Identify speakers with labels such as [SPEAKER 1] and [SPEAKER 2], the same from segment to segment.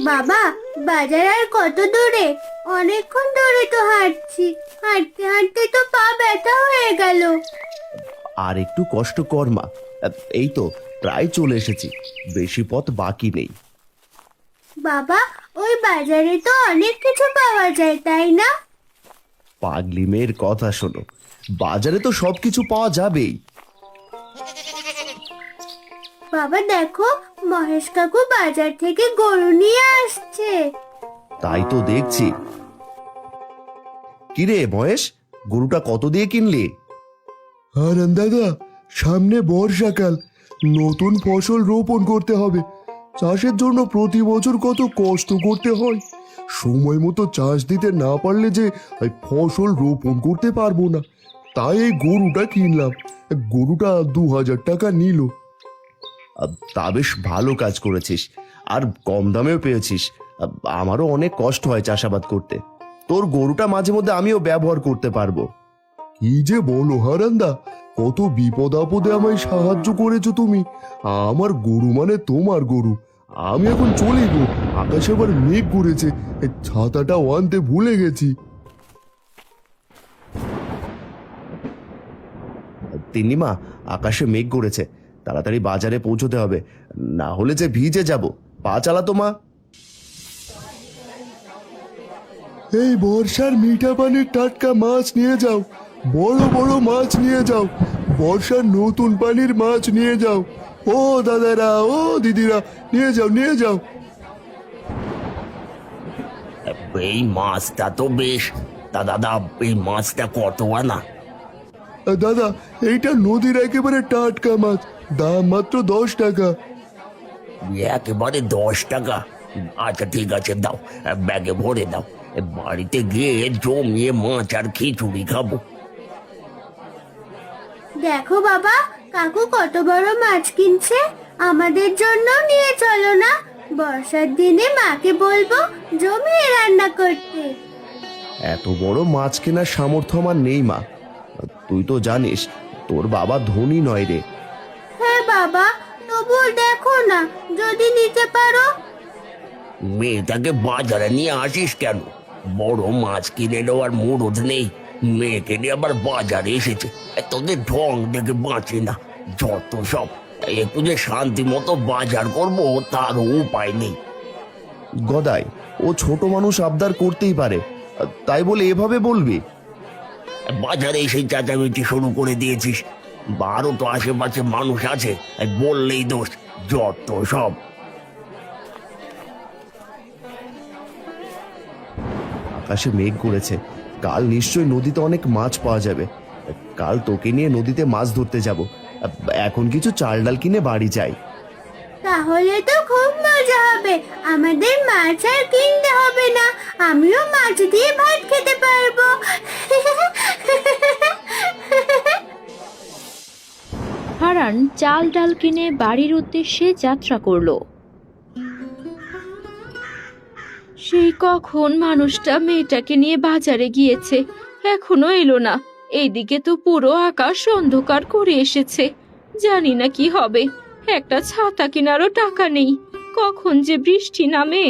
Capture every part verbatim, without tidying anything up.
[SPEAKER 1] বাবা, বাজার আর কত দূরে? অনেকক্ষণ ধরে তো হাঁটছি, হাঁটতে হাঁটতে তো পা ব্যথা হয়ে গেল।
[SPEAKER 2] আর একটু কষ্ট কর মা। এই তো প্রায় চলে এসেছি, বেশি পথ বাকি নেই।
[SPEAKER 1] বাবা, ওই বাজারে তো অনেক কিছু পাওয়া যায়, তাই না?
[SPEAKER 2] পাগলি মেয়ের কথা শোনো, বাজারে তো সবকিছু পাওয়া যাবেই।
[SPEAKER 1] বাবা দেখো, মহেশ কাকু বাজার থেকে গরু নিয়ে আসছে।
[SPEAKER 2] তাই তো দেখছি। কিরে মহেশ, গরুটা কত দিয়ে কিনলি?
[SPEAKER 3] হারান দাদা, সামনে বর্ষাকাল, নতুন ফসল রোপণ করতে হবে। চাষের জন্য প্রতি বছর কত কষ্ট করতে হয়, সময় মতো চাষ দিতে না পারলে যে এই ফসল রোপণ করতে পারবো না। তাই এই গরুটা কিনলাম। গরুটা দু হাজার টাকা নিল।
[SPEAKER 2] আহ, তা বেশ ভালো কাজ করেছিস, আর কম দামেও পেয়েছিস। আহ, আমারও অনেক কষ্ট হয় চাষাবাদ করতে, তোর গরুটা মাঝে মধ্যে আমিও ব্যবহার করতে পারবো।
[SPEAKER 3] কি যে বলো হারান্দা, কত বিপদ আপদে আমায় সাহায্য করেছো তুমি। আমার গরু মানে তোমার গরু। আমি এখন চলে গো, আকাশে আবার মেঘ করেছে, এই ছাতাটাও আনতে ভুলে গেছি।
[SPEAKER 2] তিন্নিমা, আকাশে মেঘ করেছে, তাড়াতাড়ি বাজারে পৌঁছতে হবে, না হলে যে ভিজে যাব। পা চালাতো মা।
[SPEAKER 3] এই বর্ষার মিঠা পানির টাটকা মাছ নিয়ে যাও, বড় বড় মাছ নিয়ে যাও, বর্ষার নতুন পানির মাছ নিয়ে যাও। ও দাদারা, ও দিদিরা, নিয়ে যাও নিয়ে যাও।
[SPEAKER 4] এই মাছটা তো বেশ। তা দাদা, এই মাছটা কত আনা?
[SPEAKER 3] আহ, দাদা, এইটা নদীর একেবারে টাটকা মাছ, দাম মাত্র দশ টাকা।
[SPEAKER 4] একেবারে দশ টাকা? আচ্ছা ঠিক আছে, দাও, ব্যাগে ভরে দাও। বাড়িতে গিয়ে জমিয়ে মাছ আর খিচুড়ি খাবো।
[SPEAKER 1] দেখো বাবা, কাকু কত বড় মাছ কিনছে, আমাদের জন্য নিয়ে চলো না। বর্ষার দিনে মাকে বলবো জমিয়ে রান্না করতে।
[SPEAKER 2] এত বড় মাছ কেনার সামর্থ্য আমার নেই মা, তুই তো জানিস তোর বাবা ধনী নয় রে।
[SPEAKER 1] হ্যাঁ বাবা, তবুও দেখো না, যদি নিতে পারো।
[SPEAKER 4] মেয়েটাকে বাজারে নিয়ে আসিস কেন? বড় মাছ কিনে নেওয়ার মুরদ নেই, মেয়েকে নিয়ে আবার বাজারে এসেছে। এ, তোদের ঢং দেখে বাঁচে না, যত সব। একটু যে শান্তি মতো বাজার করবো তার উপায় নেই।
[SPEAKER 2] গদাই, ও ছোট মানুষ, আবদার করতেই পারে, তাই বলে এভাবে বলবি?
[SPEAKER 4] বাজারে এসে চেঁচামেচি শুরু করে দিয়েছিস। বারো তো আশেপাশে মানুষ আছে, এই বললেই দোষ, যত সব।
[SPEAKER 2] আকাশে মেঘ করেছে, কাল নিশ্চয়ই নদীতে অনেক মাছ পাওয়া যাবে। কাল তোকে নিয়ে নদীতে মাছ ধরতে যাব। এখন কিছু চাল ডাল কিনে বাড়ি যাই।
[SPEAKER 1] তাহলে তো খুব মজা হবে, আমাদের মাছ আর কিনতে হবে না, আমিও মাছ দিয়ে ভাত খেতে পারবো।
[SPEAKER 5] হারান চাল ডাল কিনে বাড়ির উদ্দেশ্যে যাত্রা করলো। সেই কখন মানুষটা মেয়েটাকে নিয়ে বাজারে গিয়েছে, এখনো এলো না। এইদিকে তো পুরো আকাশ অন্ধকার করে এসেছে, জানি না কি হবে। একটা ছাতা কেনারও টাকা নেই, কখন যে বৃষ্টি নামে।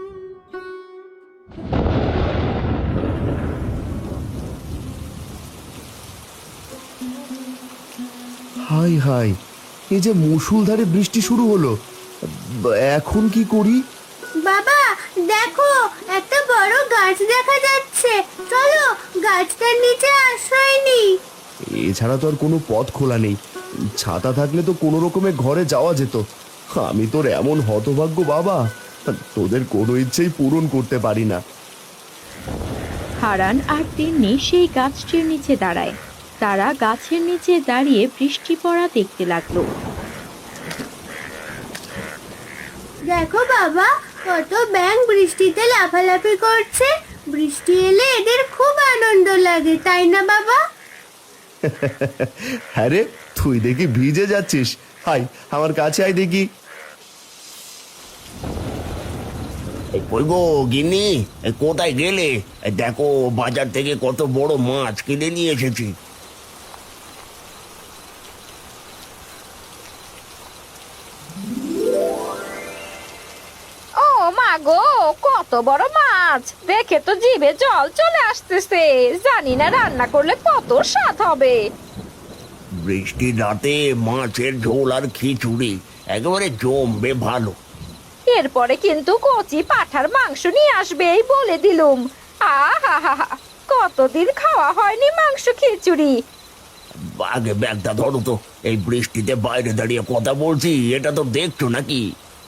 [SPEAKER 2] হাই হাই, এই যে মুষলধারে বৃষ্টি শুরু হলো, এখন কি করি?
[SPEAKER 1] বাবা দেখো, একটা বড় গাছ দেখা যাচ্ছে, চলো গাছটার নিচে আশ্রয় নিই।
[SPEAKER 2] এছাড়া তো আর কোনো পথ খোলা নেই, ছাতা থাকলে তো কোনো রকমে ঘরে যাওয়া যেত। আমি তোর এমন হতভাগ্য বাবা, তোদের কোনো ইচ্ছেই পূরণ করতে পারি না।
[SPEAKER 5] হারান আর তিন্নি সেই গাছটির নিচে দাঁড়ায়। তারা গাছের নিচে দাঁড়িয়ে বৃষ্টি পড়া দেখতে লাগলো।
[SPEAKER 1] দেখো বাবা, কত ব্যাঙ বৃষ্টিতে লাফালাফি করছে, বৃষ্টি এলে এদের খুব আনন্দ লাগে, তাই না বাবা?
[SPEAKER 2] হ্যাঁ রে, তুই দেখি ভিজে যাচ্ছিস, হাই আমার কাছে আয় দেখি।
[SPEAKER 4] এই কই গো গিন্নি, এই কোথায় গেলে? এই দেখো, বাজার থেকে কত বড় মাছ কিনে নিয়ে এসেছি।
[SPEAKER 6] ও মা
[SPEAKER 5] গো, কত বড় মাছ! দেখে তো জিভে জল চলে আসতেছে। জানি না রান্না করলে কত স্বাদ হবে।
[SPEAKER 4] বৃষ্টির রাতে মাছের ঝোল আর খিচুড়ি একেবারে জমবে ভালো।
[SPEAKER 5] এরপরে কিন্তু কচি পাঠার মাংস নিয়ে আসবে এই বলে দিলুম। আহা হা হা, কতদিন খাওয়া হয়নি মাংস খিচুড়ি।
[SPEAKER 4] আগে ব্যাগটা ধরো তো, এই বৃষ্টিতে বাইরে দাঁড়িয়ে কথা বলছি, এটা তো দেখছো নাকি?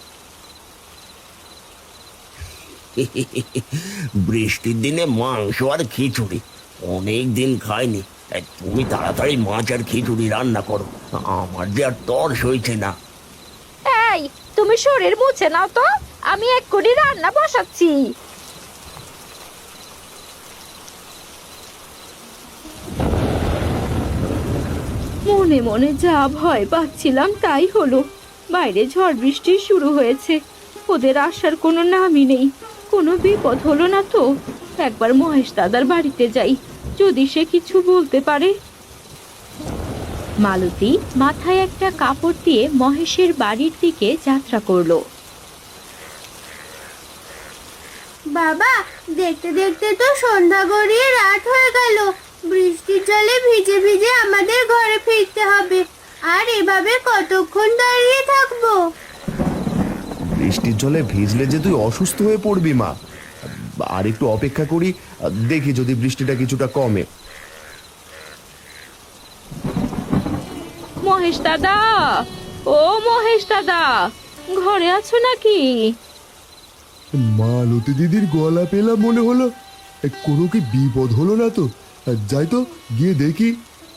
[SPEAKER 4] বৃষ্টির দিনে মাংস আর খিচুড়ি অনেক দিন খাইনি। এই, তুমি তাড়াতাড়ি মাছ আর খিচুড়ি রান্না করো, আমার যে আর তর সইছে না।
[SPEAKER 5] এই, তুমি শরীর মুছে নাও তো, আমি এক্ষুনি রান্না বসাচ্ছি। মনে মনে যা ভয় পাচ্ছিলাম তাই হলো। বাইরে ঝড় বৃষ্টি শুরু হয়েছে, ওদের আসার কোনো নামই নেই। কোনো বিপদ হলো না তো? একবার মহেশ দাদার বাড়িতে যাই, যদি সে কিছু বলতে পারে। মালতী মাথায় একটা কাপড় দিয়ে মহেশের বাড়ির দিকে যাত্রা করলো।
[SPEAKER 1] বাবা, দেখতে দেখতে তো সন্ধ্যা গড়িয়ে রাত হয়ে গেল। বৃষ্টির জলে ভিজে ভিজে আমাদের ঘরে ফিরতে হবে। আর এভাবে কতক্ষণ দাঁড়িয়ে থাকবো?
[SPEAKER 2] বৃষ্টির জলে ভিজলে যে তুই অসুস্থ হয়ে পড়বি মা। আর একটু অপেক্ষা করি, দেখি যদি বৃষ্টিটা কিছুটা কমে।
[SPEAKER 5] মহেশ দাদা, ও মহেশ দাদা, ঘরে আছো নাকি?
[SPEAKER 3] মালতী দিদির গলা পেলাম মনে হলো। এ, কোনো কি বিপদ হলো না তো? যাই তো গিয়ে দেখি।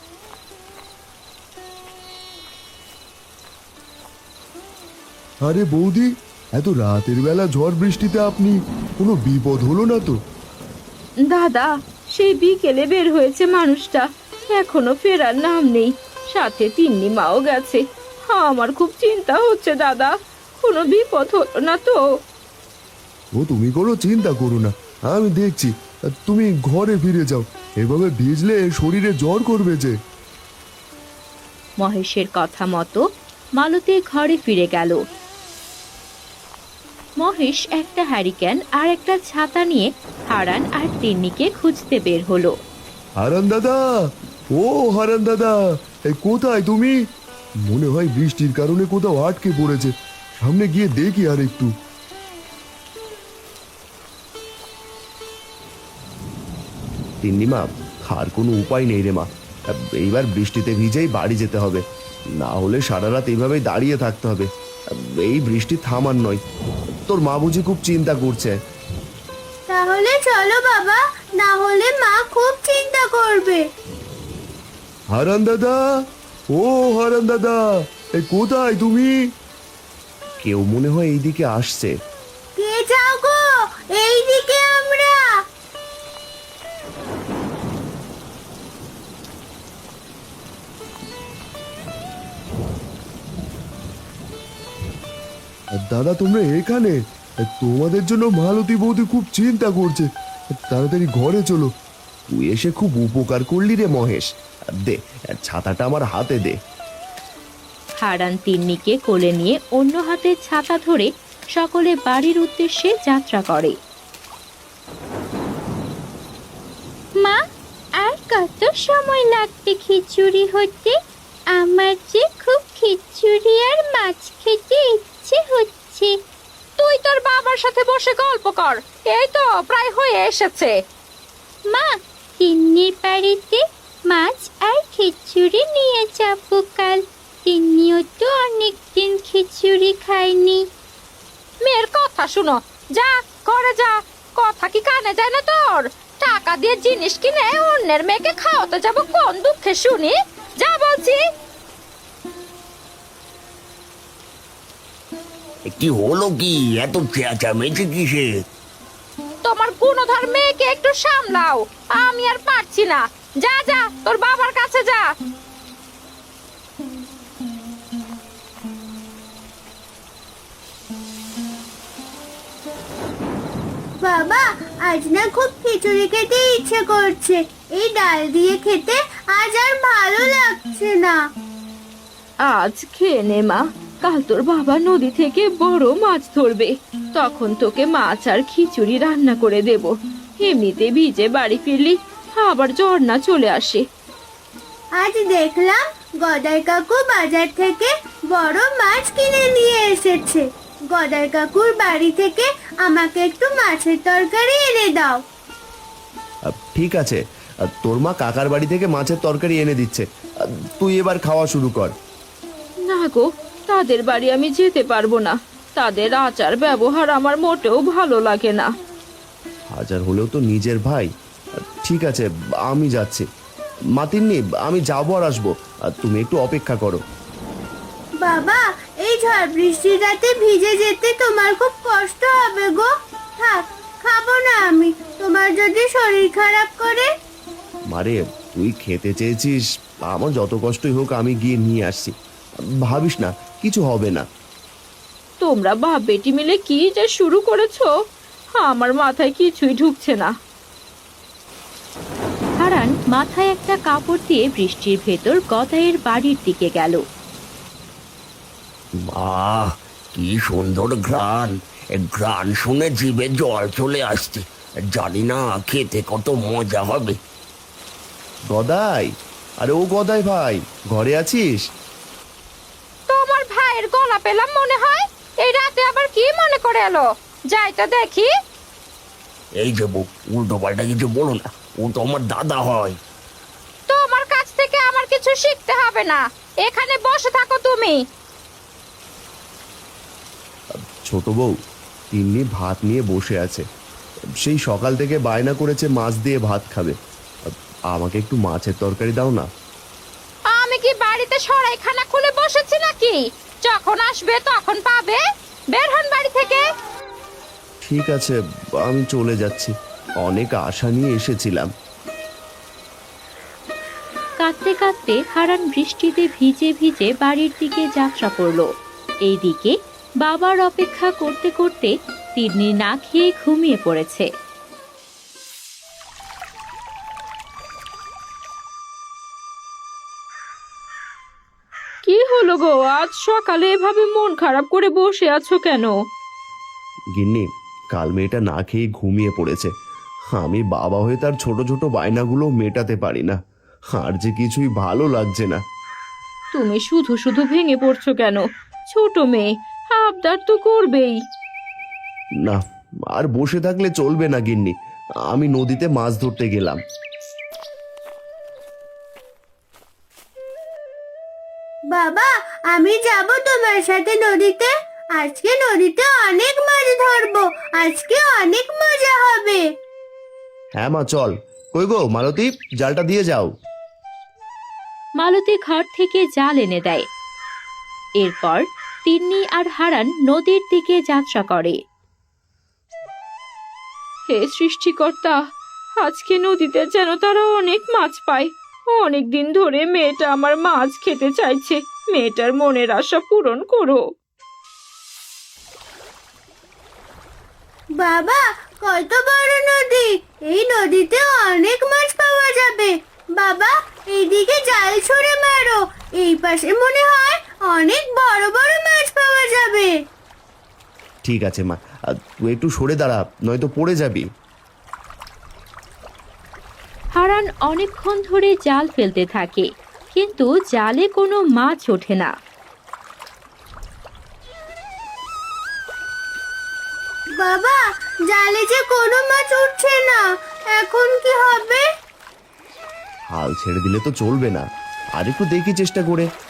[SPEAKER 3] আরে বৌদি, এত রাতের বেলা ঝড় বৃষ্টিতে আপনি, কোনো বিপদ হলো না তো?
[SPEAKER 5] দাদা, সেই বিকেলে বের হয়েছে মানুষটা, এখনো ফেরার নাম নেই। সাথে তিন্নি মাও গেছে। আমার খুব চিন্তা হচ্ছে দাদা, কোনো বিপদ হলো না তো?
[SPEAKER 3] ও তুমি কোনো চিন্তা করো না, আমি দেখছি। তুমি ঘরে ফিরে যাও, এভাবে ভিজলে শরীরে জ্বর করবে যে।
[SPEAKER 5] মহেশের কথা মতো মালতী ঘরে ফিরে গেল। মহেশ একটা হ্যারিকেন আর একটা ছাতা নিয়ে হারান আর তিন্নিকে খুঁজতে বের হলো।
[SPEAKER 3] হারান দাদা, ও হারান দাদা, এই কোথায় তুমি? মনে হয় বৃষ্টির কারণে কোথাও আটকে পড়েছে। সামনে গিয়ে দেখি আর একটু।
[SPEAKER 2] তিন্নি মা, আর কোনো উপায় নেই রে মা। এইবার বৃষ্টিতে ভিজেই বাড়ি যেতে হবে, না হলে সারা রাত এইভাবেই দাঁড়িয়ে থাকতে হবে। এই বৃষ্টি থামার নয়। তোর মা বুঝি খুব চিন্তা করছে।
[SPEAKER 1] তাহলে চলো বাবা, না হলে মা খুব চিন্তা করবে।
[SPEAKER 3] হারান দাদা, ও হারান দাদা, এই কোথায় তুমি?
[SPEAKER 2] কেউ মনে হয় এইদিকে আসছে।
[SPEAKER 1] কে যাও গো? এইদিকে আমরা।
[SPEAKER 3] দাদা তোমরা এখানে? তোমাদের জন্য মালতী বৌদি খুব চিন্তা করছে। তাড়াতাড়ি ঘরে চলো।
[SPEAKER 2] তুই এসে খুব উপকার করলি রে মহেশ। দে, ছাতাটা আমার হাতে দে।
[SPEAKER 5] হারান তিন্নিকে কোলে নিয়ে অন্য হাতে ছাতা ধরে সকলে বাড়ির উদ্দেশ্যে যাত্রা করে। মা, আর কত সময় লাগবে খিচুড়ি হতে? আমার যে খুব খিচুড়ি আর মাছ খেতে ইচ্ছে হচ্ছে। তুই তোর বাবার সাথে বসে গল্প কর, এই তো প্রায় হয়ে এসেছে। মা, তিন্নির বাড়িতে মাছ আর খিচুড়ি নিয়ে যাবো কাল। তিন্নিও তো অনেকদিন খিচুড়ি খায়নি। মেয়ের কথা শুনো, যা করে যা। কথা কি কানে যায় না তোর? টাকা দিয়ে জিনিস কিনে অন্যের মেয়েকে খাওয়াতে যাবো কোন দুঃখে শুনি? যা বলছি।
[SPEAKER 4] কি হলো কি? এত চেঁচামেচি কিসে?
[SPEAKER 5] তোমার গুণধর মেয়েকে একটু সামলাও, আমি আর পারছি না। যা যা, তোর বাবার কাছে যা।
[SPEAKER 1] বাবা, আজ না খুব খিচুড়ি খেতে ইচ্ছে করছে। এই ডাল দিয়ে খেতে আজ আর ভালো লাগছে না।
[SPEAKER 5] আজ খেয়ে নে মা, কাল তোর বাবা নদী থেকে বড় মাছ ধরবে, তখন তোকে মাছ আর খিচুড়ি রান্না করে দেব। এমনিতে ভিজে বাড়ি ফিরলি আবার জ্বর না চলে আসে।
[SPEAKER 1] আজ দেখলাম গদাই কাকু বাজার থেকে বড় মাছ কিনে নিয়ে এসেছে। গদাই কাকুর বাড়ি থেকে আমাকে একটু মাছের তরকারি এনে দাও।
[SPEAKER 2] আহ, ঠিক আছে, আহ, তোর মা কাকার বাড়ি থেকে মাছের তরকারি এনে দিচ্ছে। আহ, তুই এবার খাওয়া শুরু কর।
[SPEAKER 5] না গো, তাদের বাড়ি আমি যেতে পারবো না। তাদের আচার ব্যবহার আমার মোটেও ভালো লাগে না।
[SPEAKER 2] হাজার হলেও তো নিজের ভাই। আহ, ঠিক আছে, আমি যাচ্ছি। মাতিননি, আমি যাবো আর আসবো, আর তুমি একটু অপেক্ষা করো।
[SPEAKER 1] বাবা, এই ঝড় বৃষ্টির রাতে ভিজে যেতে তোমার খুব কষ্ট হবে গো। থাক, খাবো না আমি, তোমার যদি শরীর খারাপ করে।
[SPEAKER 2] মারে, তুই খেতে চেয়েছিস, আমার যত কষ্টই হোক আমি গিয়ে নিয়ে আসছি। ভাবিস না, কিছু হবে না।
[SPEAKER 5] তোমরা বাপ বেটি মিলে কি যে শুরু করেছো, আমার মাথায় কিছুই ঢুকছে না। হারান মাথায় একটা কাপড় দিয়ে বৃষ্টির ভেতর গদাইয়ের বাড়ির দিকে গেল।
[SPEAKER 4] আহ, কি সুন্দর ঘ্রাণ! এ ঘ্রাণ শুনে জিভে জল চলে আসছে। জানি না খেতে কত মজা হবে।
[SPEAKER 2] গদাই, আরে ও গদাই ভাই, ঘরে আছিস?
[SPEAKER 5] তোমার ভাইয়ের গলা পেলাম মনে হয়। এই রাতে আবার কি মনে করে এলো? যাই তো দেখি।
[SPEAKER 4] এই যে বউ, উল্টো পাল্টা কিছু বলো না, ও তো আমার দাদা হয়।
[SPEAKER 5] তোমার কাছ থেকে আমার কিছু শিখতে হবে না, এখানে বসে থাকো তুমি।
[SPEAKER 2] ছোট বউ, তিন্নি ভাত নিয়ে বসে আছে। সেই সকাল থেকে বায়না করেছে মাছ দিয়ে ভাত খাবে। আমাকে একটু মাছের তরকারি দাও না।
[SPEAKER 5] আমি কি বাড়িতে সরাইখানা খুলে বসেছি নাকি? যখন আসবে তখন পাবে। বের হন বাড়ি থেকে।
[SPEAKER 2] ঠিক আছে, আমি চলে যাচ্ছি, অনেক আশা নিয়ে এসেছিলাম।
[SPEAKER 5] কাঁদতে কাঁদতে হারান বৃষ্টিতে ভিজে ভিজে বাড়ির দিকে যাত্রা করলো। এইদিকে বাবার অপেক্ষা করতে করতে তিন্নি না খেয়ে ঘুমিয়ে পড়েছে। কি হলো গো, আজ সকালে এভাবে মন খারাপ করে বসে আছো কেন?
[SPEAKER 2] গিন্নি, কাল মেয়েটা না খেয়ে ঘুমিয়ে পড়েছে। আমি বাবা হয়ে তার ছোট ছোট বায়নাগুলো মেটাতে পারি না, আর যে কিছুই ভালো লাগছে না।
[SPEAKER 5] তুমি শুধু শুধু ভেঙে পড়ছো কেন? ছোট মেয়ে, আবদার তো করবেই।
[SPEAKER 2] না, আর বসে থাকলে চলবে না গিন্নি, আমি নদীতে মাছ ধরতে গেলাম।
[SPEAKER 1] বাবা, আমি যাব তোমার সাথে নদীতে। আজকে নদীতে অনেক মাছ ধরবো, আজকে অনেক মজা হবে।
[SPEAKER 2] হ্যাঁ মা, চল। কই গো মালতী, জালটা দিয়ে যাও।
[SPEAKER 5] মালতী ঘর থেকে জাল এনে দেয়। এরপর তিন্নি আর হারান নদীর দিকে যাত্রা করে। হে সৃষ্টিকর্তা, আজকে নদীতে যেন তারা অনেক মাছ পায়। অনেক দিন ধরে মেয়েটা আমার মাছ খেতে চাইছে, মেয়েটার মনের আশা পূরণ করো।
[SPEAKER 1] বাবা, কত বড় নদী! এই নদীতে অনেক মাছ পাওয়া যাবে। বাবা, এইদিকে জাল ছুঁড়ে মারো, এই পাশে মনে হয় অনেক বড় বড় মাছ পাওয়া যাবে।
[SPEAKER 2] ঠিক আছে মা, আর তুই একটু সরে দাঁড়া, নয়তো পড়ে যাবি।
[SPEAKER 5] হারান অনেকক্ষণ ধরে জাল ফেলতে থাকে, কিন্তু জালে কোনো মাছ ওঠে না।
[SPEAKER 1] বাবা, জালে যে কোনো মাছ উঠছে না, এখন কি হবে?
[SPEAKER 2] হাল ছেড়ে দিলে তো চলবে না, আর একটু দেখি চেষ্টা করে।